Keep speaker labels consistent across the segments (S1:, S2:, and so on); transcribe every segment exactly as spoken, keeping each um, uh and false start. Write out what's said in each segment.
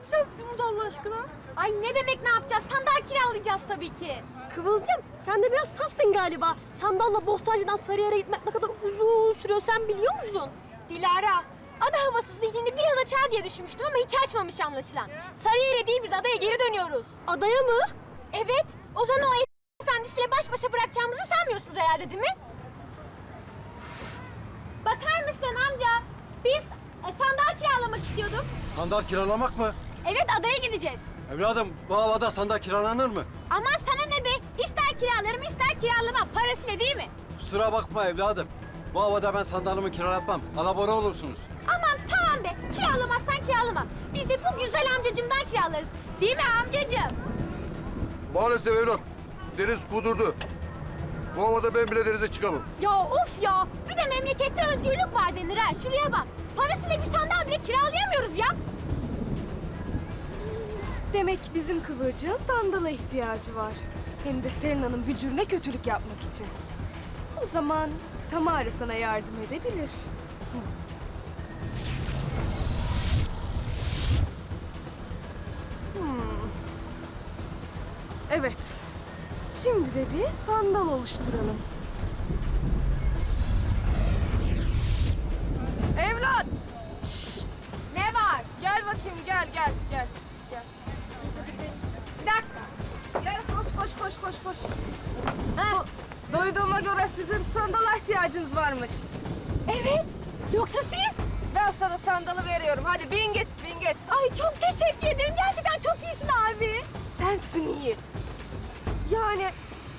S1: yapacağız biz burada Allah aşkına?
S2: Ay ne demek ne yapacağız? Sandal kiralayacağız tabii ki.
S1: Kıvılcım sen de biraz safsın galiba. Sandalla Bostancı'dan Sarıyer'e gitmek ne kadar uzun sürüyor sen biliyor musun?
S2: Dilara, ada havası zihnini biraz açar diye düşünmüştüm ama hiç açmamış anlaşılan. Sarıyer'e değil biz adaya geri dönüyoruz.
S1: Adaya mı?
S2: Evet, Ozan'ı o es- efendisiyle baş başa bırakacağımızı sanmıyorsunuz herhalde değil mi? Bakar mısın amca? Biz e, sandal kiralamak istiyorduk.
S3: Sandal kiralamak mı?
S2: Evet adaya gideceğiz.
S3: Evladım bu havada sandal kiralanır mı?
S2: Aman sana ne be? İster kiralarım ister kiralamam. Parasıyla değil mi?
S3: Kusura bakma evladım. Bu havada ben sandalımı kiralatmam. Alabora olursunuz.
S2: Aman tamam be. Kiralamazsan kiralama. Biz de bu güzel amcacımdan kiralarız. Değil mi amcacığım?
S4: Maalesef evlat. Deniz kudurdu. Bu havada ben bile denize çıkamam.
S2: Ya of ya. Bir de memlekette özgürlük var denir ha. Şuraya bak. Parasıyla bir sandal bile kiralayamıyoruz ya.
S5: Demek bizim Kıvırcık'ın sandala ihtiyacı var. Hem de Selena'nın bücürüne kötülük yapmak için. O zaman Tamara sana yardım edebilir. Hmm. Evet. Şimdi de bir sandal oluşturalım. Evlat!
S2: Ne var?
S5: Gel bakayım gel gel gel. Gel.
S2: Bir dakika.
S5: Gel koş koş koş koş koş.
S2: Ha,
S5: Duyduğuma göre sizin sandala ihtiyacınız varmış.
S2: evet. Yoksa siz?
S5: Ben sana sandalı veriyorum. Hadi bin git, bin git.
S2: Ay çok teşekkür ederim. Gerçekten çok iyisin abi.
S5: Sensin iyi. Yani...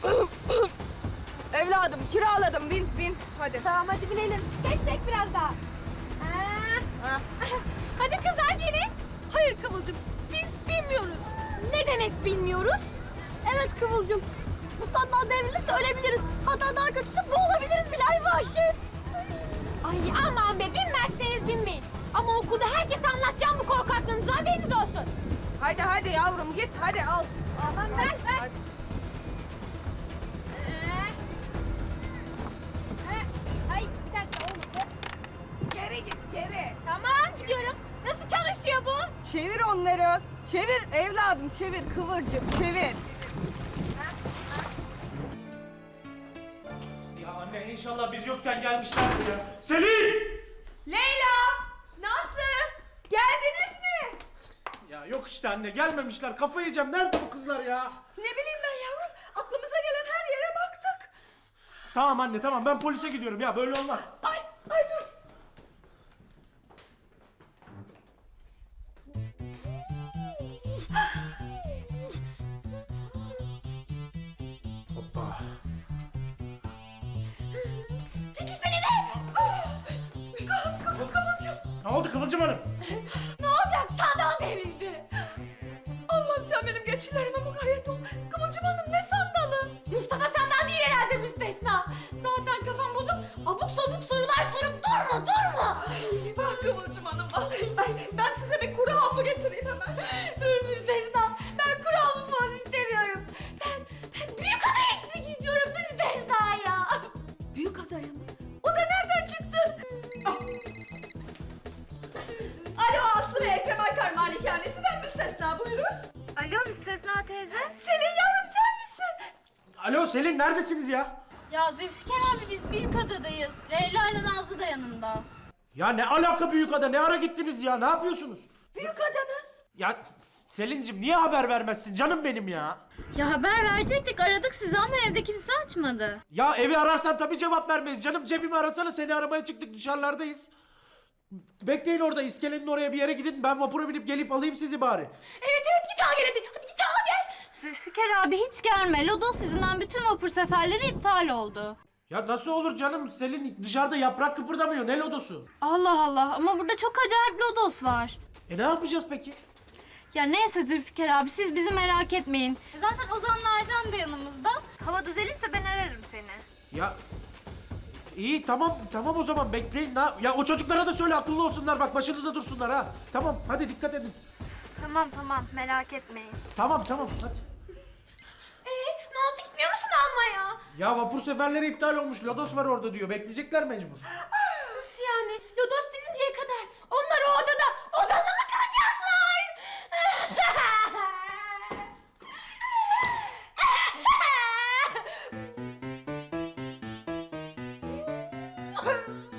S5: Evladım kiraladım. Bin, bin. Hadi.
S2: Tamam hadi binelim. Tek tek biraz daha. Ha.
S5: Ha.
S2: Hadi kızlar gelin.
S1: Hayır Kıvılcım biz bilmiyoruz.
S2: Ne demek bilmiyoruz?
S1: Evet Kıvılcım. Bu sandal devrilirse ölebiliriz. Hatta daha kötüsü boğulabiliriz bile ay vahşet.
S2: Ay aman be binmezseniz binmeyin. Ama okulda herkese anlatacağım bu korkaklığınızı haberiniz olsun.
S5: Hadi hadi yavrum git. Hadi al.
S2: Aman ver ver.
S5: Hadi.
S2: Ee. Ha, Ay bir dakika olmadı.
S5: Geri git, geri.
S2: Tamam gidiyorum. Nasıl çalışıyor bu?
S5: Çevir onları. Çevir evladım, çevir. Kıvırcık, çevir.
S6: Ya anne inşallah biz yokken gelmişlerdir ya. Selin!
S5: Leyla! Nazlı! Geldiniz mi?
S6: Ya yok işte anne gelmemişler. Kafayı yiyeceğim. Nerede bu kızlar ya?
S5: Ne bileyim ben yavrum. Aklımıza gelen her yere baktık.
S6: Tamam anne tamam ben polise gidiyorum ya böyle olmaz.
S5: Ay, ay dur.
S6: Hoppa.
S2: Çekilsene be.
S5: Kıvılcım.
S6: Ne oldu Kıvılcım Hanım?
S2: Ne olacak? Sandal devrildi.
S5: Allah'ım sen benim geçilerime mukayyet ol. Kıvılcım Hanım ne sandalı?
S2: Mustafa senden değil herhalde müstesna. Zaten kafam bozuk. Abuk sabuk sorular sorup durma durma.
S5: Ay, bak Kıvılcım Hanım. Ay, ay, ben size bir kuru hapı getireyim hemen.
S2: Dur müstesna. Ben kuralımı falan istemiyorum. Ben, ben büyük adaya gitmek istiyorum müstesna ya.
S5: Büyük adaya mı? O da nereden çıktı? Alo Aslı ve Ekrem Aykar Malikanesi, ben müstesna, buyurun.
S2: Alo müstesna teyze.
S5: Selin yavrum sen misin?
S6: Alo Selin neredesiniz ya?
S1: Ya Zülfikar abi biz Büyükada'dayız. Leyla ile Nazlı da yanında.
S6: Ya ne alaka Büyükada ne ara gittiniz ya ne yapıyorsunuz?
S5: Büyük ada mı?
S6: Ya Selin'cim niye haber vermezsin canım benim ya?
S1: Ya haber verecektik aradık sizi ama evde kimse açmadı.
S6: Ya evi ararsan tabii cevap vermeyiz canım. Cebimi arasana seni aramaya çıktık dışarılardayız. Bekleyin orada iskelenin oraya bir yere gidin. Ben vapura binip gelip alayım sizi bari.
S2: Evet evet git al gel hadi. Hadi git al gel.
S1: Zülfikar abi hiç gelme. Lodos yüzünden bütün vapur seferleri iptal oldu.
S6: Ya nasıl olur canım? Selin dışarıda yaprak kıpırdamıyor. Ne lodosu?
S1: Allah Allah ama burada çok acayip lodos var.
S6: E ne yapacağız peki?
S1: Ya neyse Zülfikar abi siz bizi merak etmeyin. Zaten Ozanlardan da yanımızda. Hava düzelirse ben ararım seni.
S6: Ya iyi tamam tamam o zaman bekleyin. Na ya o çocuklara da söyle akıllı olsunlar bak başınızda dursunlar ha. Tamam hadi dikkat edin.
S1: Tamam tamam merak etmeyin.
S6: Tamam tamam hadi.
S2: Ee, ne oldu gitmiyor musun almaya?
S6: Ya vapur seferleri iptal olmuş. Lodos var orada diyor. Bekleyecekler mecbur.
S2: Nasıl yani? Lodos dininceye kadar onlar o odada Ozan'la mı kalacaklar? Ay.